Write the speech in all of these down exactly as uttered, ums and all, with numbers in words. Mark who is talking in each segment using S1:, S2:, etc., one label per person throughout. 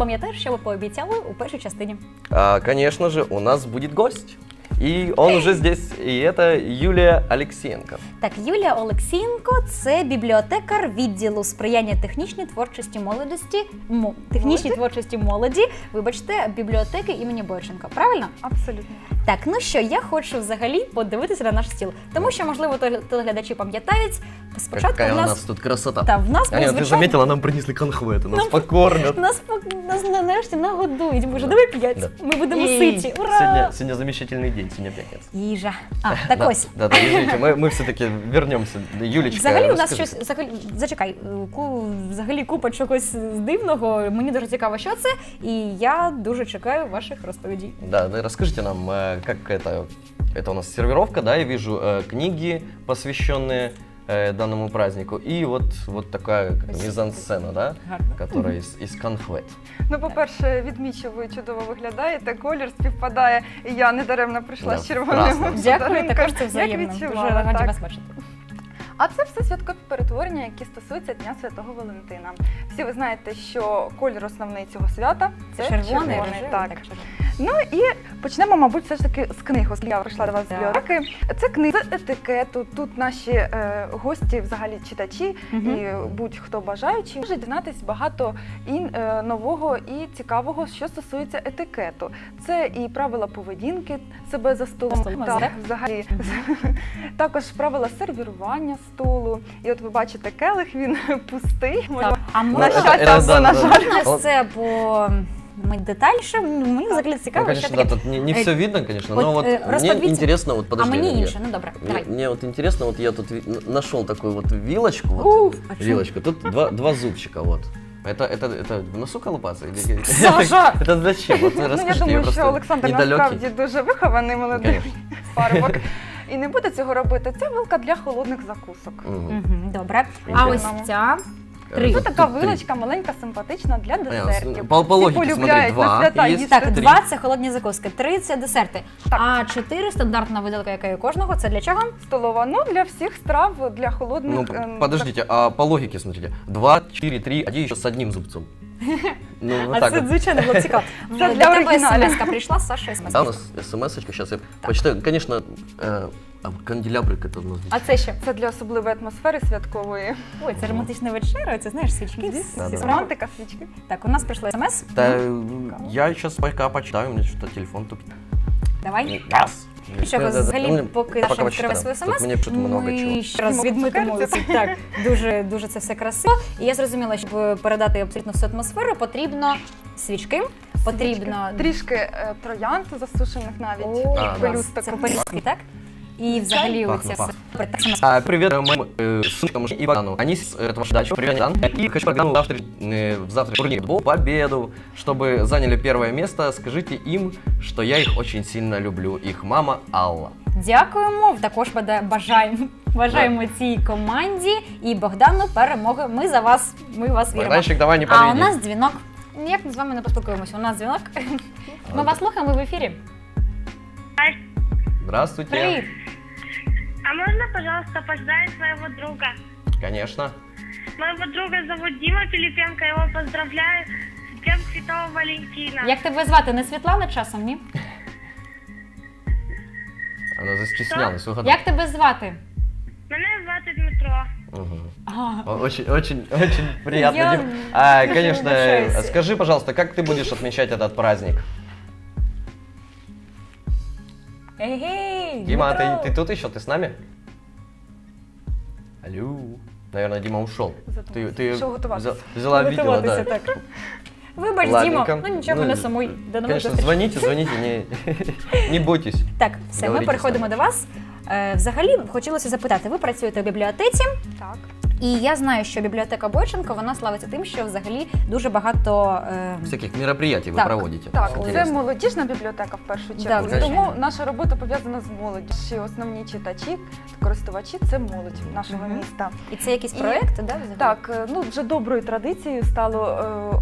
S1: пам'ятаєш, що ви пообіцяли у першій частині?
S2: А, конечно же, у нас будет гость. И он уже здесь, и это Юлия Алексеенко.
S1: Так, Юлія Олексієнко – це бібліотекар відділу сприяння технічній творчості молодості, мо, технічній
S3: Молоді?
S1: творчості молоді, вибачте, бібліотеки імені Бойченка. Правильно?
S3: Абсолютно.
S1: Так, ну що, я хочу взагалі подивитися на наш стіл. Тому що, можливо, теле- телеглядачі пам'ятають, спочатку
S2: Какая
S1: в
S2: у
S1: нас...
S2: нас тут красота.
S1: Та, в нас був
S2: Аня, ты
S1: звичайний...
S2: заметила, нам принесли конхветы, нас
S1: Нам-
S2: покормят.
S1: Нас, пок- нас нарешті нагодують. Боже, давай п'ять.
S2: Да.
S1: Ми будемо
S2: И
S1: ситі. Ура!
S2: Сегодня, сегодня замечательный день, сегодня пятница.
S1: Їжа. А, так
S2: да,
S1: ось.
S2: Да, да, извините, мы, мы все-таки вернемся. Юлечка,
S1: Взагалі у нас
S2: расскажи.
S1: щось, взагалі, зачекай, ку, взагалі купа чогось дивного, мені дуже цікаво, що це, і я дуже чекаю ваших розповідей.
S2: Да, да, расскажите нам, э, как это, это у нас сервировка, да, я вижу э, книги, посвященные э, данному празднику, и вот, вот такая как, мизансцена, да,
S1: Гарно.
S2: которая из, из конхвет.
S3: Ну, по-перше, відмічу, ви чудово виглядаєте, колір співпадає, і я недаремно прийшла
S2: Да,
S3: з червоним.
S2: красна.
S1: Дякую, також це
S3: Як
S1: взаємно. Дуже
S3: відчувала,
S1: раді
S3: так.
S1: вас бачити.
S3: А це все святкові перетворення, які стосуються Дня Святого Валентина. Всі ви знаєте, що колір основний цього свята – це
S1: Червоний,
S3: червоний.
S1: рожевий,
S3: Так.
S1: так, червоний.
S3: Ну і почнемо, мабуть, все ж таки з книг, оскільки я прийшла до вас з
S1: Так.
S3: бібліотеки. Це книги з етикету. Тут наші е, гості, взагалі читачі
S1: Мгм.
S3: і будь-хто бажаючий може дізнатись багато і е, нового і цікавого, що стосується етикету. Це і правила поведінки себе за столом,
S1: За столом,
S3: так,
S1: так?
S3: взагалі. Також правила сервірування столу. І от ви бачите, келих, він пустий.
S1: Так. А
S3: На
S1: можна,
S3: щастя,
S2: это-
S3: або
S2: это-
S3: на
S2: да,
S3: жаль.
S2: да.
S1: можна це по ми детальніше? Ну, мені взагалі
S2: Ну,
S1: цікаво, що
S2: конечно, да,
S1: таке.
S2: тут не, не
S1: Э,
S2: все видно, конечно,
S1: вот,
S2: но вот
S1: э,
S2: мне
S1: расподвиньте.
S2: интересно, вот
S1: А
S2: подожди.
S1: мені
S2: Аня,
S1: інше, ну добре,
S2: Мне,
S1: давай.
S2: мне вот интересно, вот я тут ви- н- нашел такую вот вилочку, вот,
S1: Уф, а чому?
S2: вилочку, тут два, два зубчика, вот. Это, это, это в носу колупаться? Или...
S1: Саша!
S2: Это зачем? Вот
S3: Ну, я
S2: расскажите,
S3: думаю, що
S2: просто
S3: Олександр
S2: недалекий.
S3: насправді дуже вихований молодий
S2: Конечно.
S3: парубок. І не буде цього робити. Це вилка для холодних закусок.
S2: Мгм.
S1: Мгм, добре. А
S2: Окей.
S1: ось ця
S2: Э,
S1: Три.
S3: Це
S2: тут
S3: така
S2: три.
S3: вилочка маленька, симпатична для десертів.
S2: По- по
S3: Всі
S2: логіці, смотри,
S3: полюбляють
S2: два
S3: на свята
S2: є.
S3: їсти.
S1: так,
S2: Три.
S1: два це холодні закуски, три це десерти.
S3: Так.
S1: А чотири стандартна виделка, яка є у кожного, це для чого?
S3: Столова. Ну, для всіх страв, для холодних.
S2: Ну,
S3: ем,
S2: подождите, а по логике, смотрите, два, четыре, три, один еще с одним зубцом. Ну, вот
S1: А
S2: так
S1: це,
S2: вот.
S1: звичайно, було цікаво.
S3: Це
S1: До
S3: для
S1: тебе
S3: оригіналів.
S1: смс-ка прийшла, Саша смс.
S2: Да, у нас смс-очка, сейчас я почитаю. Конечно, э, а канделябрик это у нас.
S1: А це що?
S3: Це для особливої атмосфери святкової.
S1: Ой, це романтична вечеря, це знаєш, свічки. всі
S2: Да, да.
S1: справи.
S3: Романтика, свічки.
S1: Так, у нас прийшла смс.
S2: Да, э, я сейчас пока почитаю, у меня что-то телефон тупит.
S1: Давай.
S2: Раз.
S1: Що ви
S2: Да, да, да.
S1: взагалі,
S2: Ну,
S1: поки
S2: пока
S1: Саша відкриває
S2: почитаю.
S1: свою
S2: Тут
S1: смс,
S2: мені тут много чого.
S1: ми ще раз
S3: Їмо
S1: відмитимо
S3: цукерки.
S1: ці. Так, дуже, дуже це все красиво. І я зрозуміла, щоб передати абсолютно всю атмосферу, потрібно свічки, потрібно
S3: Трішки е, троянд засушених навіть.
S1: О,
S2: А, да.
S3: пелюсток.
S1: це пелюстки, так? І взагалі
S2: Пахне,
S1: оця
S2: пахне.
S1: супер. Так, саме.
S2: А, привет э, моим э, сынкам и Богдану. Они с этого дачу. Привет, Дан. И хочу Богдану завтра, э, в завтра турнир по победу, чтобы заняли первое место. Скажите им, что я их очень сильно люблю. Их мама Алла.
S1: Дякуємо. Також бада- бажаємо, бажаємо цій команді і Богдану перемоги. Ми за вас, ми в вас віримо.
S2: Богданчик, давай не
S1: А у
S2: подведи.
S1: нас дзвінок. Ніяк ми з вами не поспілкуємося. У нас дзвінок. Ми вас слухаємо, ми в ефірі.
S2: Здравствуйте.
S1: Привіт.
S4: А можно, пожалуйста, поздравить своего друга?
S2: Конечно.
S4: Моего друга зовут Дима Пилипенко, я его поздравляю с Днем Святого Валентина.
S1: Як тебе звати? Не Світлана часом, ні?
S2: Она застеснялась. угадала.
S1: Як тебе звати?
S4: Мене звати Дмитро.
S2: Мгм.
S1: А,
S2: О- Очень, очень, очень приятно,
S1: Я
S2: Дим. А,
S1: дуже
S2: конечно,
S1: вибачаюсь.
S2: э, скажи, пожалуйста, как ты будешь отмечать этот праздник?
S1: Ей-гей,
S2: Дима, а
S1: Дмитро.
S2: ты, ты тут еще? Ты с нами? Алло. Наверное, Дима ушел. Ты, ты
S3: Пішов готуватися.
S2: взя- взяла видео,
S1: Готуватися,
S2: да.
S1: так. Вибач,
S2: Ладненько.
S1: Дімо, ну нічого,
S2: Ну,
S1: не сумуй. До нових
S2: Конечно,
S1: зустрічей.
S2: звоните, звоните, не, не бойтесь.
S1: Так, все, ми
S2: Говоріть
S1: переходимо
S2: з
S1: до
S2: нами.
S1: вас. Е, Взагалі, хотілося запитати, ви працюєте в бібліотеці,
S3: Так.
S1: і я знаю, що бібліотека Бойченко, вона славиться тим, що взагалі дуже багато... е,
S2: Всяких мероприятий вы
S1: Так.
S2: проводите.
S3: Так,
S2: Интересно.
S3: це молодіжна бібліотека в першу
S1: Да,
S3: чергу.
S1: звичайно.
S3: Тому наша робота пов'язана з молоддю. Наші основні читачі, користувачі це молодь нашого
S1: Мгм.
S3: міста.
S1: І це якісь
S3: І-
S1: проекти, да? взагалі?
S3: Так, е, ну вже доброю традицією стало е, ов-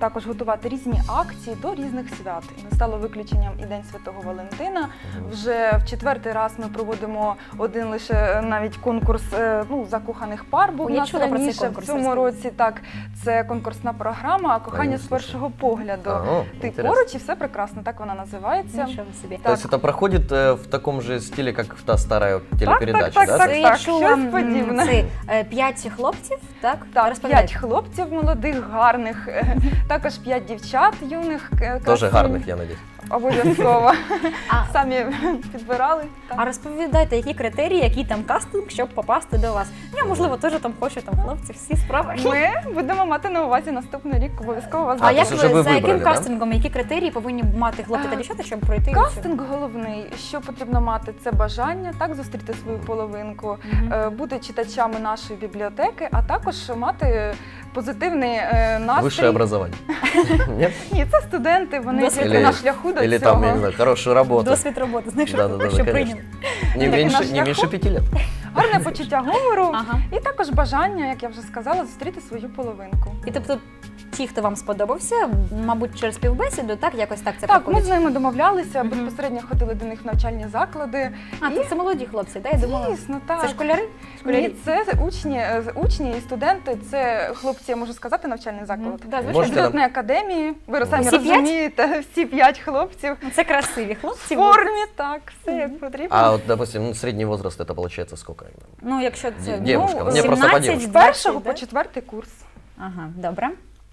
S3: також готувати різні акції до різних свят. І не стало виключенням і День Святого Валентина. Вже в четвертий раз ми проводимо один лише навіть конкурс е, ну, закоханих пар. Був
S1: О,
S3: у
S1: я
S3: нас
S1: чула про цей
S3: раніше,
S1: конкурс,
S3: в цьому
S1: розкажіть.
S3: році. Так, це конкурсна програма «Кохання з
S2: слушай.
S3: першого погляду».
S2: А, о,
S3: Ти
S2: интересно.
S3: поруч і все прекрасно, так вона називається.
S1: Нічого собі.
S2: То есть это проходит э, в таком же стиле, как в та старая телепередача,
S3: так,
S2: да?
S3: так.
S1: Це я чула
S3: щось
S1: м,
S3: подібне.
S1: це е, п'ять хлопців, так?
S3: Так,
S1: Розповідайте.
S3: п'ять хлопців молодих, гарних, е, також п'ять дівчат юних. е,
S2: Тоже
S3: красивих.
S2: гарных, я надеюсь.
S3: Обов'язково.
S1: А,
S3: Самі підбирали. так.
S1: а розповідайте, які критерії, який там кастинг, щоб попасти до вас. Я, можливо, теж там хочу там хлопці, всі справи.
S3: Ми будемо мати на увазі наступний рік, обов'язково вас
S1: А,
S2: А,
S1: як
S2: то
S1: ви,
S2: есть уже ви
S1: за яким
S2: вибрали, да?
S1: кастингом, які критерії повинні мати хлопці та
S3: А,
S1: дівчата, щоб пройти?
S3: Кастинг головний, що потрібно мати, це бажання, так, зустріти свою половинку,
S1: Мгм.
S3: е, бути читачами нашої бібліотеки, а також мати позитивний е, настрій.
S2: Высшее образование. Нет?
S3: Ні, це студенти, вони
S1: Досвід.
S3: тільки на шляху до
S2: Или
S3: цього.
S2: там, я не знаю, хорошую работу.
S1: Досвід роботи, знаєш,
S2: Да-да-да,
S1: що
S2: конечно.
S1: прийняли.
S2: Не
S3: Так,
S2: меньше,
S3: на
S2: не меньше
S3: шляху.
S2: пяти лет.
S3: Гарне почуття гумору
S1: Ага.
S3: і також бажання, як я вже сказала, зустріти свою половинку.
S1: І тобто ті, хто вам сподобався, мабуть, через співбесіду, так, якось так це
S3: Так, ми
S1: проходить?
S3: з ними домовлялися,
S1: Мгм.
S3: безпосередньо ходили до них в навчальні заклади.
S1: А,
S3: І-
S1: це, це молоді хлопці, так? Я думала,
S3: Звісно, так.
S1: це школяри?
S3: Ні,
S1: Школярі?
S3: це учні, е, учні і студенти, це хлопці, я можу сказати, навчальний заклад.
S1: Мгм. Да, звичайно.
S2: Можете
S3: Студентної академії, ви самі
S1: Всі п'ять?
S3: розумієте, всі п'ять хлопців.
S1: Ну, це красиві
S3: В
S1: хлопці.
S3: формі, так, все як потрібно.
S2: А вот, допустим, ну, средний возраст это получается сколько?
S1: Ну, якщо це
S2: Де- девушка,
S1: ну,
S2: мне просто по
S1: сімнадцять,
S2: девушке.
S3: З першого
S1: двадцять,
S3: по
S1: да?
S3: четвертий курс.
S1: Ага, добре.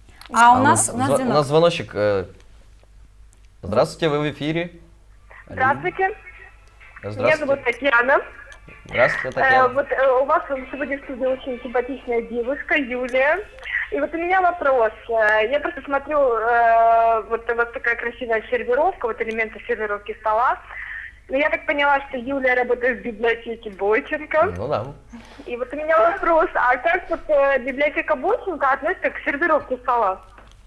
S1: А у нас, у нас
S2: зв-
S1: дзвінок.
S2: у нас звоночек. э, Здравствуйте, вы в эфире. Алло.
S4: Здравствуйте, меня
S2: Здравствуйте.
S4: зовут Татьяна.
S2: Здравствуйте,
S4: Э,
S2: Татьяна.
S4: вот э, у вас сегодня в студии очень симпатичная девушка Юлия. И вот у меня вопрос. Э, Я просто смотрю, э, вот у вас такая красивая сервировка, вот элементы сервировки стола. Но я так поняла, что Юлия работает в библиотеке Бойченко.
S2: Ну да.
S4: И вот у меня вопрос, а как вот э, библиотека Бойченко относится к сервировке стола?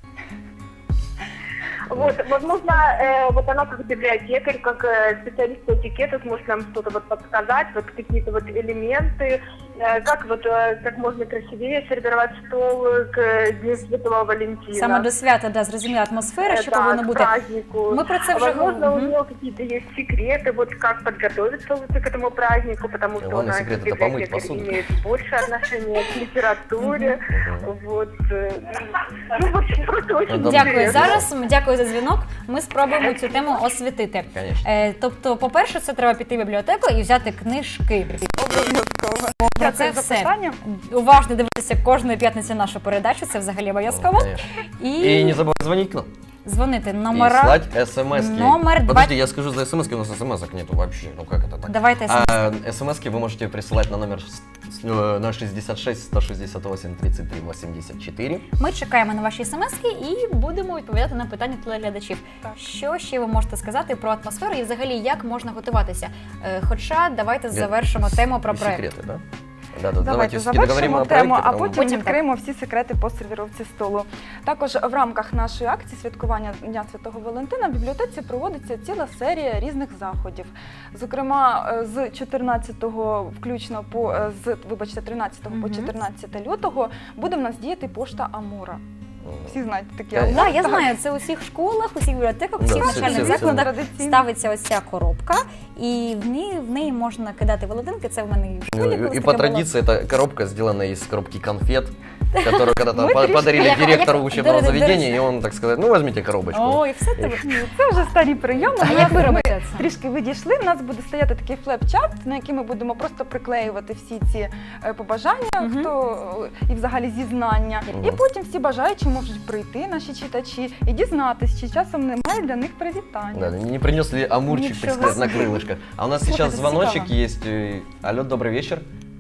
S4: Вот, возможно, э, вот она как библиотекарь, как э, специалист по этикету сможет нам что-то вот подсказать, вот какие-то вот элементы, э, как вот э, как можно красивее сервировать стол к Дню Святого Валентина.
S1: Саме до свята, да, зрозуміла атмосфера,
S4: Э,
S1: що
S4: да,
S1: повинно
S4: к
S1: бути.
S4: празднику.
S1: Ми про це
S4: А
S1: вже
S4: возможно, у
S1: говорили.
S4: нее какие-то есть секреты, вот как подготовиться лучше к этому празднику, потому что
S2: Главный
S4: она
S2: секрет
S4: как
S2: это помыть
S4: библиотекарь
S2: посуду.
S4: имеет больше отношения к литературе.
S2: Мгм.
S4: Вот. э, Ну, в общем, просто очень
S2: Добре.
S1: Дякую.
S4: интересно.
S1: Зараз дякую за дзвінок. Ми спробуємо цю тему освітити.
S2: Конечно.
S1: Е, тобто, по-перше, це треба піти в бібліотеку і взяти книжки.
S3: Обов'язково.
S1: Про
S3: Дякую
S1: це
S3: за
S1: все.
S3: питання.
S1: Уважно дивитися кожної п'ятниці нашу передачу, це взагалі обов'язково.
S2: Конечно.
S1: І,
S2: И не забывай звонить к нам.
S1: дзвонити
S2: И
S1: номера.
S2: слать смс.
S1: Номер два-
S2: Подожди, я скажу за смс, у нас смс нету вообще. Ну как это так?
S1: Давайте
S2: А смс вы можете присылать на номер с- с- э, ноль шестьдесят шесть сто шестьдесят восемь тридцать три восемьдесят четыре.
S1: Ми чекаємо на ваші смски і будемо відповідати на питання телеглядачів.
S3: Так.
S1: Що ще ви можете сказати про атмосферу і взагалі як можна готуватися? Е, Хоча давайте завершимо тему про
S2: И
S1: проект.
S2: секреты, да? Да, да,
S3: Давайте
S2: все-таки договорим
S3: завершимо
S2: о
S3: тему,
S2: проекте,
S3: а
S2: потом-
S3: потім
S1: Потім
S3: відкриємо всі секрети по сервіровці столу. Також в рамках нашої акції святкування Дня Святого Валентина в бібліотеці проводиться ціла серія різних заходів. Зокрема, е, з чотирнадцятого включно по е, з вибачте, тринадцятого по
S1: Мгм.
S3: чотирнадцяте лютого буде в нас діяти пошта Амура. Всі знають такі
S2: Так,
S3: Амур.
S1: Так, я
S3: так.
S1: знаю, це у всіх школах, у всіх бібліотеках, у
S2: Да,
S1: всіх
S2: всі-
S1: навчальних
S2: всі- всі.
S1: закладах
S3: Традиційно.
S1: ставиться ось ця коробка, і в неї, в неї можна кидати володинки. Це в мене і в школі.
S2: Ну,
S1: колись
S2: и по
S1: таке було.
S2: традиции это коробка сделана из коробки конфет, которую когда-то
S3: Мы
S2: по-
S3: пришли.
S2: подарили
S1: Як-
S2: директору
S1: як-
S2: учебного
S1: дорого-
S2: заведения, и он, так сказать, ну возьмите коробочку.
S1: Ой, все тебе.
S3: Ні, це вже старі прийоми.
S1: А
S3: У
S1: як
S3: нас
S1: ви
S3: ми
S1: робите це?
S3: Трішки відійшли. У нас буде стояти такий флеп-чат, на який ми будемо просто приклеювати всі ці е, побажання,
S1: Мгм.
S3: хто е, і взагалі зізнання. І
S2: Мгм.
S3: потім всі бажаючі можуть прийти, наші читачі, і дізнатись, чи часом немає для них привітання.
S2: Да, не принес ли амурчик, так
S1: Ничего
S2: сказать, на крылышко. А у нас
S1: Слушай,
S2: сейчас
S1: это
S2: звоночек
S1: цікаво.
S2: есть. Э, Алло, добрый вечер.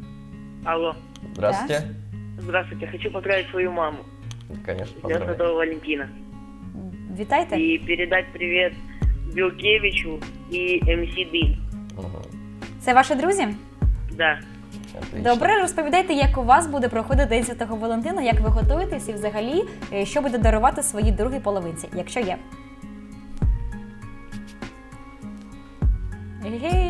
S5: Алло,
S2: Здравствуйте.
S5: здравствуйте. Хочу поздравить свою маму
S2: Конечно,
S5: с Днем
S2: поздравляю.
S5: Святого Валентина.
S1: Вітайте.
S5: И передать привет Билкевичу и эм си Дым.
S2: Мгм.
S1: Це ваші друзі?
S5: Да.
S2: Отлично.
S1: Добре, розповідайте, як у вас буде проходити День Святого Валентина, як ви готуєтесь і взагалі, е, що буде дарувати своїй другій половинці, якщо є. Гей!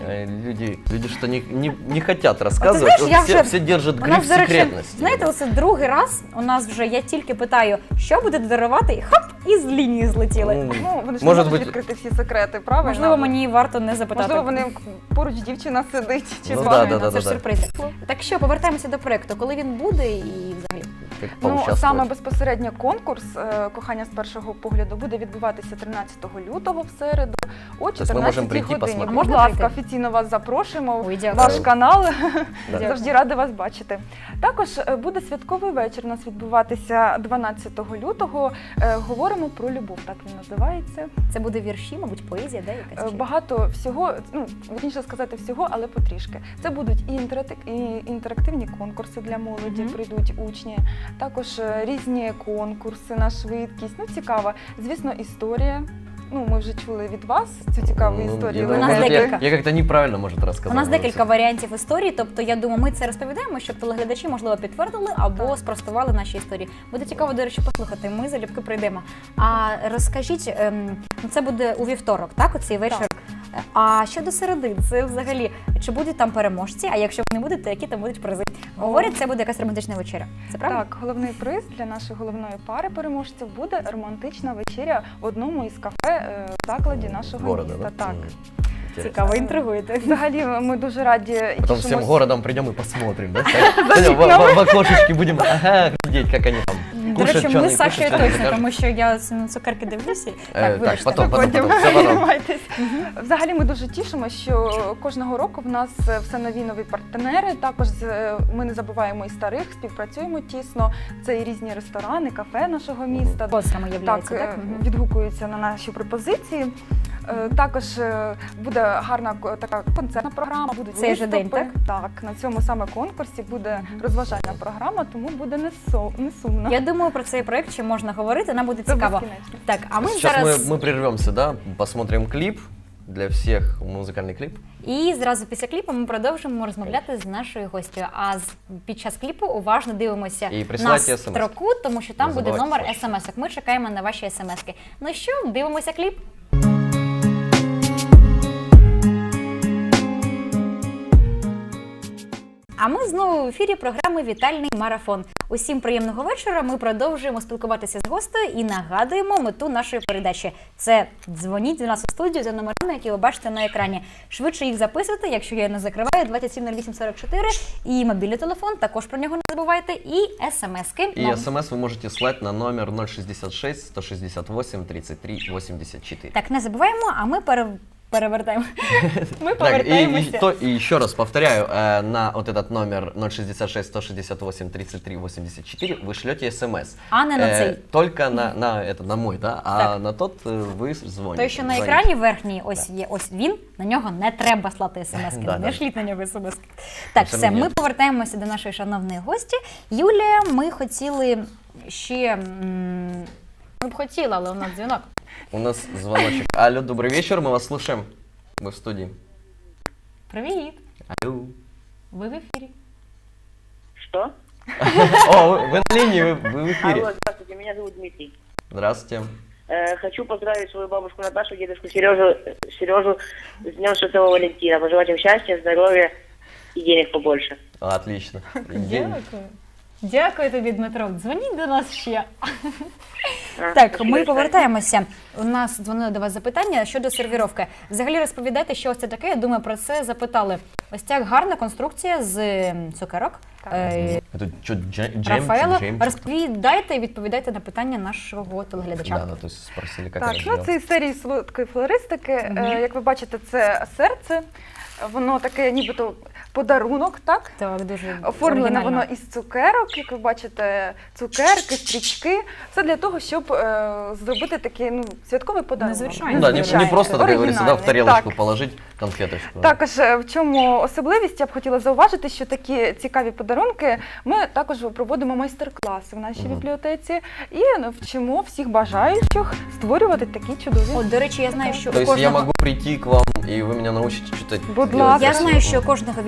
S2: Э, Люди, люди что не, не, не хотят рассказывать,
S1: знаешь,
S2: вот
S1: я
S2: все,
S1: уже-
S2: все держат
S1: У
S2: гриф
S1: нас, до речі,
S2: секретности.
S1: знаєте, оце другий раз у нас вже я тільки питаю, що буде дарувати, і хоп, і з лінії злетіли.
S2: Ну,
S3: Ну, вони ж
S2: Може
S3: не можуть
S2: бути-
S3: відкрити всі секрети, правильно?
S1: Можливо, мені варто не запитати.
S3: Можливо, вони поруч дівчина сидить чи
S2: Ну,
S3: з
S2: да,
S3: вами.
S2: да, да,
S1: це ж
S2: да.
S1: сюрпризи. Так що, повертаємося до проєкту. Коли він буде і взагалі?
S2: Как
S3: Ну,
S2: поучаствовать.
S3: саме безпосередньо конкурс е, «Кохання з першого погляду» буде відбуватися тринадцятого лютого в середу о
S2: Тобто ми можемо
S3: чотирнадцятій
S2: прийти,
S3: годині.
S2: посмотрети?
S3: Будь
S1: Можна
S3: ласка,
S1: прийти?
S3: офіційно вас запрошуємо.
S1: Ой, дякую.
S3: Ваш канал.
S2: Да.
S3: Завжди рада вас бачити. Також е, буде святковий вечір у нас відбуватися дванадцятого лютого. Е, Говоримо про любов, так він називається.
S1: Це буде вірші, мабуть, поезія, да, якась?
S3: Е,
S1: чи-
S3: Багато всього, ну, вірніше сказати всього, але потрішки. Це будуть і інтерактив- і інтерактивні конкурси для молоді,
S1: Мгм.
S3: прийдуть учні, також е, різні конкурси на швидкість. Ну, цікава. Звісно, історія. Ну, ми вже чули від вас цю цікаву
S2: Ну,
S3: історію.
S2: я,
S1: У нас
S2: я-
S1: декілька.
S2: я как-то неправильно, может, рассказал.
S1: У нас
S2: наверное,
S1: декілька
S2: всё.
S1: варіантів історії, тобто я думаю, ми це розповідаємо, щоб телеглядачі, можливо, підтвердили або
S3: Так.
S1: спростували наші історії. Буде цікаво, до речі, послухати. Ми залюбки прийдемо. А розкажіть, ем, ну, це буде у вівторок, так? Оцей вечір.
S3: Так.
S1: А щодо середи, це взагалі чи будуть там переможці? А якщо вони будуть, то які там будуть призи? Говорять, це буде якась романтична вечеря. Це правда?
S3: Так, головний приз для нашої головної пари переможців буде романтична вечеря в одному із кафе е, в закладі нашого
S2: Города,
S3: міста.
S2: да?
S3: Так.
S2: М, интересно.
S1: Цікаво, інтригуєте.
S3: Взагалі, ми дуже раді і
S2: Потом всем
S3: тішимось.
S2: городом придем и посмотрим, да? Так, в, в- в окошечке будем, ага, глядеть, как они там
S1: До
S2: кушают,
S1: речі,
S2: что
S1: ми
S2: они
S1: з Сашою
S2: кушают, что они
S1: точно,
S2: покажут.
S1: тому що я на цукерки дивлюся.
S2: Е,
S1: Так,
S2: так,
S1: вибачте.
S2: потім, потім,
S3: Потім
S2: потім, все потім.
S3: тримайтесь. Взагалі ми дуже тішимо, що кожного року в нас все нові нові партнери. Також з- ми не забуваємо і старих, співпрацюємо тісно. Це і різні ресторани, кафе нашого міста.
S1: Спонсорами
S3: Так,
S1: являється,
S3: е,
S1: так? Мгм.
S3: відгукуються на наші пропозиції. Е, Також е, буде гарна ко- така концертна програма, будуть
S1: Цей же
S3: виступи.
S1: день, так?
S3: Так, на цьому саме конкурсі буде розважальна програма, тому буде не, со, не сумно.
S1: Я думаю, про цей проект ще можна говорити, нам буде
S3: Це
S1: цікаво.
S3: безкінечно.
S1: Так, а ми
S2: Сейчас
S1: зараз
S2: мы, мы прервемся, да, посмотрим клип для всех, музыкальный клип.
S1: і зразу після кліпу ми продовжимо розмовляти з нашою гостю. А з під час кліпу уважно дивимося
S2: І
S1: на
S2: присилайте смс.
S1: строку, тому що там
S2: Не
S1: буде
S2: забувайте
S1: номер
S2: флеш.
S1: смс-ок. Ми чекаємо на ваші смс-ки. Ну що, дивимося кліп. А ми знову в ефірі програми «Вітальний марафон». Усім приємного вечора. Ми продовжуємо спілкуватися з гостею і нагадуємо мету нашої передачі. Це дзвоніть до нас у студію за номерами, які ви бачите на екрані. Швидше їх записуйте, якщо я не закриваю, двадцять сім нуль вісім сорок чотири. І мобільний телефон, також про нього не забувайте. І смс-ки.
S2: И
S1: нам.
S2: смс вы можете слать на номер ноль шестьдесят шесть сто шестьдесят восемь тридцать три восемьдесят четыре.
S1: Так, не забуваємо, а ми пере... перевертаємо. Ми
S2: Так, и, и,
S1: повертаємося.
S2: то, и еще раз повторяю, э, на вот этот номер ноль шестьдесят шесть сто шестьдесят восемь тридцать три восемьдесят четыре вы шлете смс.
S1: А не на цей.
S2: Только на, на, это, на мой, да? А
S1: Так.
S2: на тот э, вы звоните.
S1: Той, що на
S2: звоните.
S1: екрані верхній, ось є, ось він, на нього не треба слати смс-ки,
S2: Да,
S1: не
S2: да.
S1: шліть на нього смс-ки. Так,
S2: Це
S1: все,
S2: мені.
S1: ми повертаємося до нашої шановної гості. Юлія, ми хотіли ще, м, ми б хотіли, але у нас дзвінок.
S2: У нас звоночек. Алло, добрый вечер, мы вас слушаем. Мы в студии.
S1: Привіт,
S2: Алло.
S1: ви в ефірі.
S5: Что?
S2: О, вы, вы на линии, вы, вы в эфире.
S5: Алло, здравствуйте, меня зовут Дмитрий.
S2: Здравствуйте.
S5: Э, хочу поздравить свою бабушку Наташу, дедушку Сережу, Сережу с Днем Святого Валентина. Пожелать им счастья, здоровья и денег побольше.
S2: Отлично.
S1: Дякую. Дякую тобі, Дмитро. Дзвоніть до нас ще.
S5: А,
S1: Так,
S5: спасибо
S1: ми
S5: большое.
S1: повертаємося. У нас дзвонили до вас запитання щодо сервіровки. Взагалі розповідайте, що ось це таке. Я думаю, про це запитали. Ось ця гарна конструкція з м, цукерок.
S3: Так.
S1: Е,
S2: Это что, джем?
S1: Рафаело,
S2: джем-
S1: розповідайте і відповідайте на питання нашого телеглядача.
S2: Да, да, то есть спросили, как
S3: Так,
S2: это
S3: ну
S2: сделать.
S3: це із серії солодкої флористики.
S1: Мгм.
S3: Е, Як ви бачите, це серце. Воно таке, нібито подарунок, так?
S1: Так, дуже
S3: Оформлене
S1: оригінально.
S3: воно із цукерок, як ви бачите, цукерки, стрічки. Все для того, щоб е, зробити такий ну, святковий подарунок.
S1: Незвичайно.
S2: Ну да, не, не
S3: Незвичайний,
S2: просто, так говорится, да, в
S3: оригінальний.
S2: тарелочку
S3: Так.
S2: положить конфеточку.
S3: Також е, в чому особливість, я б хотіла зауважити, що такі цікаві подарунки ми також проводимо майстер-класи в нашій
S2: Мгм.
S3: бібліотеці і ну, вчимо всіх бажаючих створювати такі чудові.
S1: От, до речі, я знаю, що
S2: То
S1: у
S2: есть я
S1: кожного...
S2: могу прийти к вам, и вы меня научите что-то
S3: Будь
S2: делать
S3: ласка.
S1: Я
S2: красиво?
S1: знаю, що кожного відділу вашої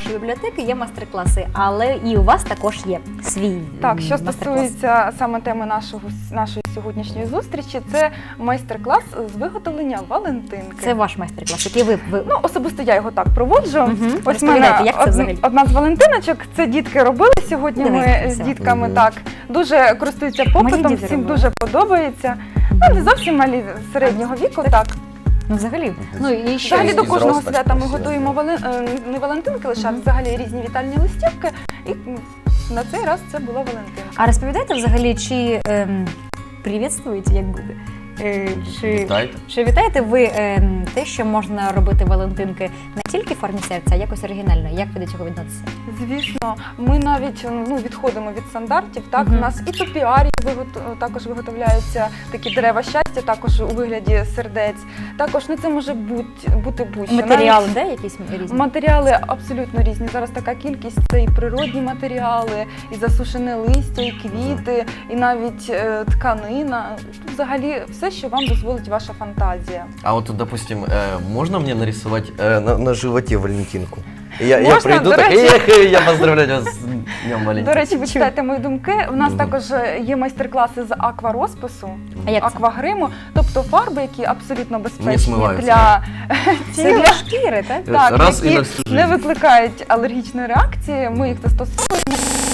S1: нашої бібліотеки є майстер-класи, але і у вас також є свій
S3: Так, що
S1: майстер-клас.
S3: стосується саме теми нашого, нашої сьогоднішньої зустрічі, це майстер-клас з виготовлення валентинки.
S1: Це ваш майстер-клас, який ви, ви...
S3: Ну, особисто я його так проводжу.
S1: Мгм.
S3: Ось в
S1: Розповідайте,
S3: мене
S1: як це
S3: од-
S1: взагалі?
S3: одна з валентиночок, це дітки робили сьогодні.
S1: Давайте,
S3: Ми з
S1: все.
S3: дітками
S2: Мгм.
S3: так дуже користуються попитом,
S1: діти
S3: всім
S1: робили.
S3: дуже подобається. Ну, не зовсім малі середнього віку, так.
S1: Ну, взагалі. Ну, і що?
S3: Взагалі до
S2: і
S3: кожного
S2: зростать
S3: свята ми
S2: всі,
S3: готуємо вали... е, не валентинки лише, а
S1: Мгм.
S3: взагалі різні вітальні листівки. І м, на цей раз це була валентинка.
S1: А розповідайте взагалі, чи ем, привітствуєте, як буде? Е, чи,
S2: Вітайте.
S1: чи вітаєте ви ем, те, що можна робити валентинки не тільки в формі серця, а якось оригінально? Як ви до цього відноситеся?
S3: Звісно, ми навіть ну, відходимо від стандартів. Так,
S1: Мгм.
S3: у нас і топіарії вигот- також виготовляються такі дерева щастя, також у вигляді сердець. Також ну, це може бути, бути будь-що.
S1: Матеріали,
S3: Навіть
S1: де якісь різні?
S3: Матеріали абсолютно різні. Зараз така кількість це і природні матеріали, і засушене листя, і квіти, і навіть е, тканина. Взагалі все, що вам дозволить ваша фантазія.
S2: А вот, допустим, э, можно мне нарисовать э, на, на животе Валентинку? Я, я
S3: Можно,
S2: приду
S3: до
S2: так,
S3: речі.
S2: эх, я поздравляю вас с Днем Валентинки.
S3: До речі, ви читаєте мої думки. У нас
S2: Мгм.
S3: також є майстер-класи з акварозпису,
S1: А як це?
S3: аквагриму, тобто фарби, які абсолютно безпечні
S2: смиваються.
S3: для
S1: Це
S3: тіла.
S1: для шкіри, так?
S3: Так,
S2: Раз і на
S3: які
S2: всю
S3: не
S2: жизнь.
S3: викликають алергічної реакції. Ми їх застосовуємо.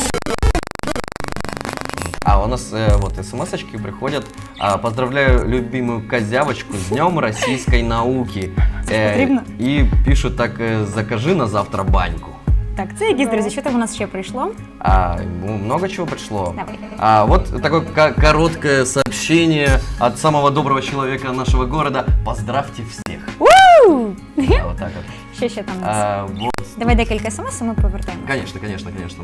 S2: А у нас э, вот смс-очки приходят. А, поздравляю любимую козявочку с Днем российской науки. Э,
S1: потрібно?
S2: и пишут так, э, закажи на завтра баньку.
S1: Так, це якісь, друзі, що там у нас ще прийшло?
S2: А, ну, много чего пришло.
S1: Давай.
S2: А, вот такое ко- короткое сообщение от самого доброго человека нашего города. Поздравьте всех.
S1: У!
S2: А, вот так вот.
S1: Що ще там у нас?
S2: А, вот.
S1: Давай декілька смс, і ми повертаємо.
S2: Конечно, конечно, конечно.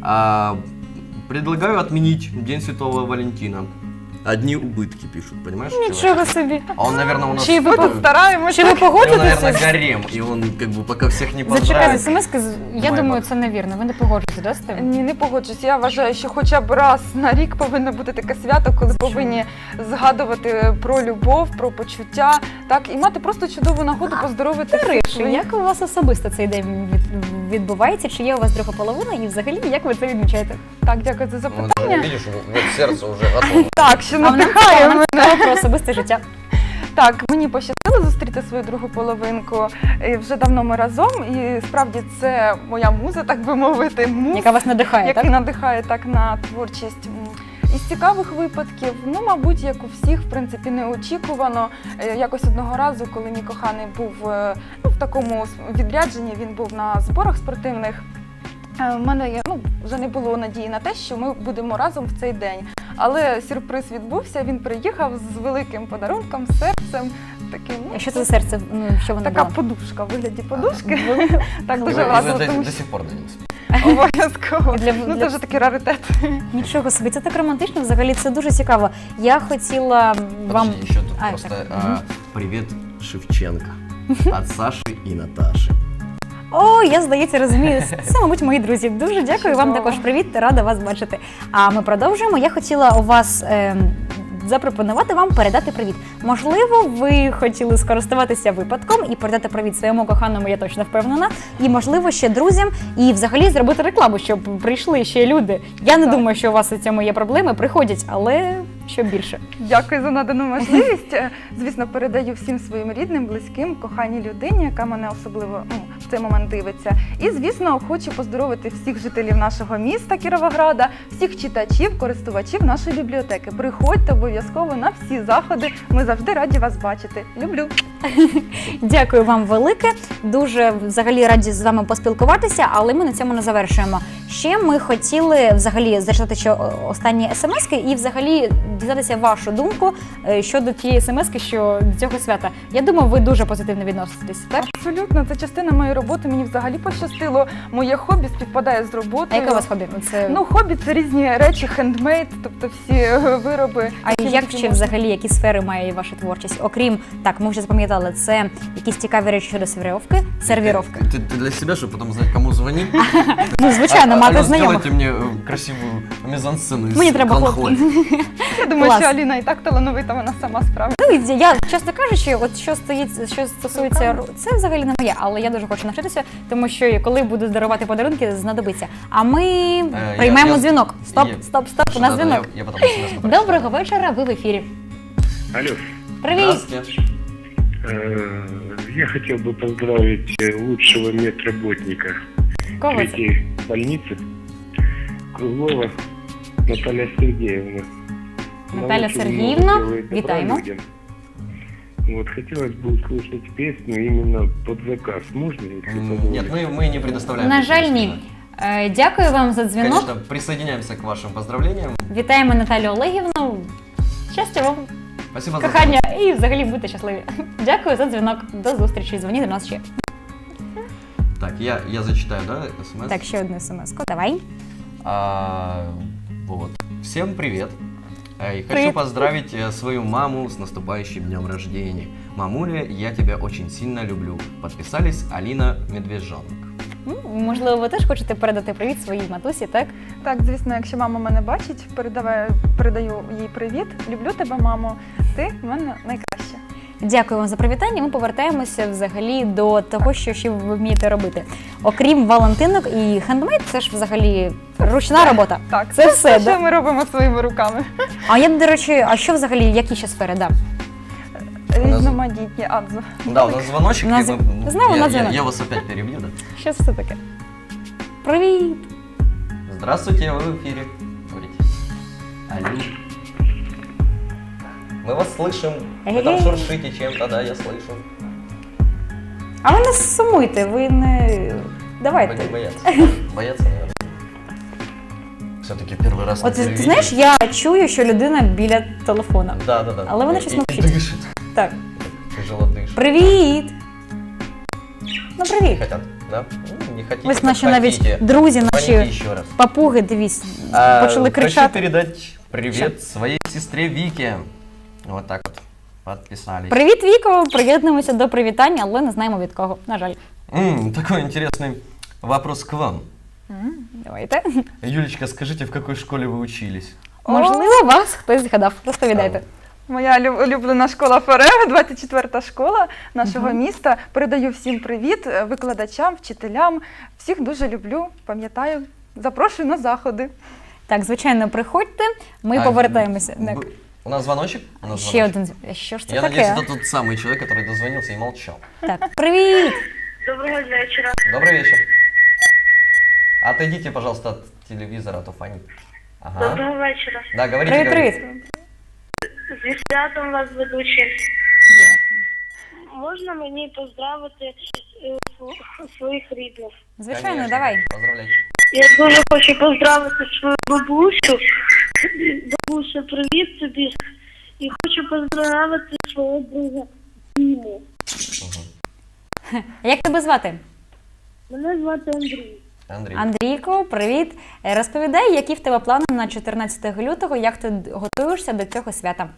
S2: А, предлагаю отменить День Святого Валентина. Одни убытки пишут, понимаешь?
S1: Нічого
S2: человек?
S1: собі.
S2: А он, наверное, у нас...
S1: Чи ви
S3: Ми
S1: по-
S3: тут стараємося.
S1: Чи ви
S2: Он,
S1: погоджуєтеся?
S2: наверное,
S1: з-
S2: гарем, и он как бы пока всех не
S1: Зачекайте,
S2: поздравит.
S1: смс, я
S2: Майбах.
S1: думаю, це невірно. Ви не погоджуєтеся, да, з тим?
S3: Ні, не погоджусь. Я вважаю, що хоча б раз на рік повинно бути таке свято, коли повинні згадувати про любов, про почуття, так і мати просто чудову нагоду поздоровити всіх
S1: Риші,
S3: своїх.
S1: як у вас особисто цей день від- відбувається? Чи є у вас друга половина? І взагалі, як ви це відмічаєте?
S3: Так, дякую за
S2: Вот,
S3: запитання.
S2: видишь, вот сердце уже готово.
S3: Так, що
S1: А в нас
S3: надихає
S1: цікаво
S3: мене.
S1: про особисте життя.
S3: Так, мені пощастило зустріти свою другу половинку. І вже давно ми разом, і справді це моя муза, так би мовити, муз,
S1: Яка вас надихає,
S3: який
S1: так?
S3: надихає так на творчість. М, Із цікавих випадків, ну, мабуть, як у всіх, в принципі, неочікувано. Е, Якось одного разу, коли мій коханий був е, ну, в такому с- відрядженні, він був на зборах спортивних. е, В мене є, ну, вже не було надії на те, що ми будемо разом в цей день. Але сюрприз відбувся, він приїхав з великим подарунком, серцем, таким, ну,
S1: А що це за серце? Ну, що воно
S3: така
S1: було?
S3: подушка, в вигляді подушки. Так
S2: И
S3: дуже
S2: вы- и вы
S3: важливо,
S2: до,
S3: тому
S2: до
S3: що
S2: сих пор даете.
S3: обов'язково.
S1: Для-
S3: Ну,
S1: для-
S3: це вже такий раритет.
S1: Нічого собі, це так романтично, взагалі це дуже цікаво. Я хотіла вам.
S2: Подожди, еще тут
S1: А,
S2: просто
S1: так.
S2: а, привет Шевченко от Саши и Наташи.
S1: О, я, здається, розумію. Це, мабуть, мої друзі. Дуже дякую вам
S3: Чудово.
S1: також. Привіт, рада вас бачити. А ми продовжуємо. Я хотіла у вас ем, запропонувати вам передати привіт. Можливо, ви хотіли скористуватися випадком і передати привіт своєму коханому, я точно впевнена. І, можливо, ще друзям, і взагалі зробити рекламу, щоб прийшли ще люди. Я не
S3: Так.
S1: думаю, що у вас у цьому є проблеми. Приходять, але що більше.
S3: Дякую за надану можливість. Е, Звісно, передаю всім своїм рідним, близьким, коханій людині, яка мене особливо ну, в цей момент дивиться. І, звісно, хочу поздоровити всіх жителів нашого міста Кіровограда, всіх читачів, користувачів нашої бібліотеки. Приходьте обов'язково на всі заходи. Ми завжди раді вас бачити. Люблю.
S1: Дякую вам велике. Дуже взагалі раді з вами поспілкуватися, але ми на цьому не завершуємо. Ще ми хотіли взагалі зачитати ще останні смски і взагалі дізнатися вашу думку е, щодо тієї смски, що до цього свята. Я думаю, ви дуже позитивно відноситесь, так?
S3: Абсолютно, це частина моєї роботи. Мені взагалі пощастило. Моє хобі співпадає з
S1: А
S3: роботою.
S1: яке у вас хобі? Це...
S3: Ну, хобі це різні речі, хендмейд, тобто всі е, вироби.
S1: а
S3: які
S1: як
S3: тільки
S1: ще
S3: можна.
S1: взагалі, які сфери має ваша творчість? Окрім, так, ми вже запам'ятали, це якісь цікаві речі щодо сервіровки, сервіровки.
S2: Ты, ты для себя, чтобы потом знать, кому звонить?
S1: Ну, звичайно,
S2: А-
S1: мати
S2: Алён,
S1: знайомих.
S2: сделайте мне э, красивую мизансцену из
S1: Мені треба
S2: конхоль.
S1: хлопці.
S3: Я думаю,
S1: Клас.
S3: що Аліна і так талановита, вона сама справиться.
S1: Ну, я, чесно кажучи, от що стоїть, що стосується ру- це взагалі не моє, але я дуже хочу навчитися, тому що коли буду дарувати подарунки, знадобиться. А ми
S2: я-
S1: приймемо
S2: я-
S1: дзвінок. Стоп,
S2: я-
S1: стоп, стоп, у нас
S2: Да-да,
S1: дзвінок.
S2: Я, я потом смс попрошу.
S1: Доброго вечора, ви в ефірі.
S6: Алло,
S1: Привіт.
S2: Здравствуйте.
S6: э, я хотел бы поздравить э, лучшего медработника
S1: Кого це?
S6: третьей больницы Круглова Наталья Сергеевна. Она
S1: Наталя
S6: очень
S1: Сергіївна,
S6: много делает добра
S1: вітаємо.
S6: людям. Вот, хотелось бы услышать песню именно под заказ. Можно, если
S2: М,
S6: позволите?
S2: Нет, мы, мы не предоставляем.
S1: На
S2: такие
S1: жаль,
S2: услуги.
S1: ні. Е, Дякую вам за дзвінок.
S2: Конечно, присоединяемся к вашим поздравлениям.
S1: Вітаємо Наталю Олегівну. Щастя вам,
S2: Спасибо за
S1: кохання і взагалі будьте щасливі. Дякую за дзвінок. До зустрічі. Дзвоніть до нас ще.
S2: Так, я, я зачитаю, да, смс?
S1: Так, ще одну смс-ку. Давай.
S2: А, вот. Всем привет. Э, И хочу
S1: Привет.
S2: поздравить э, свою маму с наступающим днем рождения. Мамуля, я тебя очень сильно люблю. Подписались Алина Медвежонок.
S1: М, Можливо, ви теж хочете передати привіт своїй матусі, так?
S3: Так, звісно, якщо мама мене бачить, передаваю, передаю їй привіт. Люблю тебе, мамо. Ти в мене найкраща.
S1: Дякую вам за привітання. Ми повертаємося взагалі до того, що ще ви вмієте робити. Окрім валентинок і хендмейд, це ж взагалі ручна робота.
S3: Так,
S1: Це все,
S3: що
S1: да?
S3: ми робимо своїми руками.
S1: А я, до речі, а що взагалі, які ще сфери? Да.
S3: Різноманітні адзу.
S2: Да, у нас звоночек.
S1: У нас-
S2: и мы-
S1: Снова
S2: я,
S1: на
S2: я,
S1: звонок.
S2: я вас опять перебью, да?
S1: Що це таке? Привіт!
S2: Здравствуйте, вы в эфире. Говорите. Алло. Мы вас слышим. Вы там
S1: Эй.
S2: шуршите чем-то, да, я слышу.
S1: А ви не сумуйте, ви не.
S2: Вы
S1: Давайте.
S2: не бояться. Бояться, наверное. Все-таки первый раз на
S1: От ти
S2: телевидении.
S1: знаєш, я чую, що людина біля телефона.
S2: Да, да, да.
S1: Але вона
S2: И-
S1: щось
S2: и-
S1: мовчить.
S2: и дышит.
S1: Так.
S2: Тяжело дышит.
S1: Привіт! Ну, привіт!
S2: Хотят, да? Ну, не хотите,
S1: Ось
S2: так
S1: наші навіть
S2: хотите.
S1: друзі,
S2: Звоните
S1: наші
S2: еще раз.
S1: папуги, дивись,
S2: А,
S1: почали
S2: Хочу
S1: кричати.
S2: передать привет своей сестре Вике. Вот так вот. Подписались.
S1: Привіт, Віко! Приєднуємося до привітання, але не знаємо від кого, на жаль.
S2: М, такой интересный вопрос к вам.
S1: Давайте.
S2: Юлечка, скажите, в какой школе вы учились?
S1: Можливо, вас хтось згадав. Розповідайте.
S3: Моя лю- улюблена школа Форева, двадцять четверта школа нашого міста. Передаю всім привіт, е, викладачам, вчителям. Всіх дуже люблю, пам'ятаю. Запрошую на заходи.
S1: Так, звичайно, приходьте, ми
S2: А,
S1: повертаємося.
S2: б-
S1: Так.
S2: У нас звоночек? У нас
S1: Ще
S2: звоночек.
S1: один. дзвін- Що ж це
S2: Я
S1: таке?
S2: надеюсь, это тот самый человек, который дозвонился и молчал.
S1: Так, привіт!
S4: Доброго вечера.
S2: Добрый вечер. Отойдите, пожалуйста, от телевизора, а то фонит. Ага.
S4: Доброго вечора.
S2: Да, говорите,
S1: Привіт,
S2: говорите.
S1: привіт!
S4: Зі святом вас ведучі. Можна мені поздравити е, св- своїх рідних?
S1: Звичайно,
S2: Конечно.
S1: давай.
S2: Поздравляйте.
S4: Я дуже хочу поздравити свою бабусю. Бабуся, привіт тобі. І хочу поздравити свого друга Діму.
S1: Як тебе звати?
S4: Мене звати Андрій.
S2: Андрей.
S1: Андрійко, привіт. Е, Розповідай, які в тебе плани на чотирнадцяте лютого, як ти готуєшся до цього свята?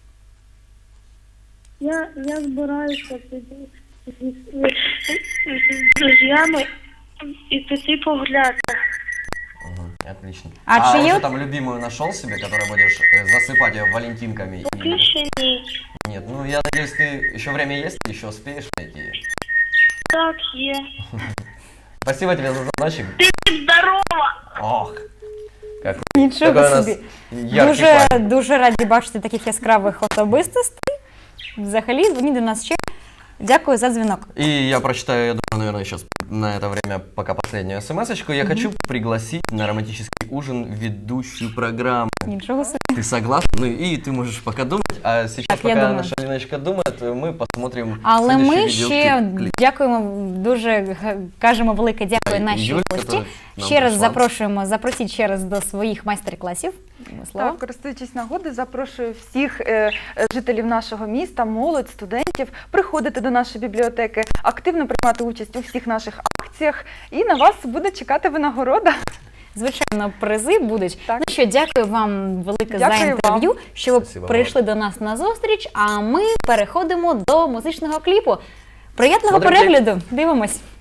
S4: Я, я збираюся тоді зі з друзями і піти погуляти.
S2: Мгм, отлично.
S1: А
S2: А,
S1: чью-
S2: уже там любимую нашел себе, которую будешь э, засыпать ее валентинками?
S4: Поки
S2: И...
S4: ще ні.
S2: Нет, ну я надеюсь, ты еще время есть, ты еще успеешь найти ее.
S4: Так, є.
S2: Спасибо тебе за звоночек.
S4: Здорова!
S2: Ох, как
S1: Нічого
S2: какой у нас
S1: собі.
S2: яркий
S1: Дуже,
S2: парень.
S1: дуже раді бачити таких яскравих особистостей. Взагалі, дзвоніть до нас ще. Дякую за дзвінок.
S2: И я прочитаю, я думаю, наверное, сейчас на это время пока последнюю смс-очку. Я хочу пригласить на романтический ужин ведущую программу.
S1: Нічого собі.
S2: Ты согласна? Ну и ты можешь пока думать, а сейчас,
S1: Так, я
S2: пока
S1: думаю.
S2: наша Леночка думает, мы посмотрим
S1: Але
S2: следующий
S1: ми ще
S2: видеоклип.
S1: дякуємо, дуже г- кажемо велике дякую нашій
S2: Юлька,
S1: гості.
S2: которая нам
S1: Ще раз
S2: пришла.
S1: запрошуємо, запросіть ще раз до своїх майстер-класів. Слово.
S3: Так, користуючись нагодою, запрошую всіх е, е, жителів нашого міста, молодь, студентів, приходити до нашої бібліотеки, активно приймати участь у всіх наших акціях, і на вас буде чекати винагорода.
S1: Звичайно, призи будуть.
S3: Так.
S1: Ну що, дякую вам велике
S3: Дякую
S1: за
S3: вам.
S1: інтерв'ю, що ви
S2: Спасибо
S1: прийшли до нас на зустріч, а ми переходимо до музичного кліпу. Приємного
S2: Смотрим кліп.
S1: перегляду! Дивимось!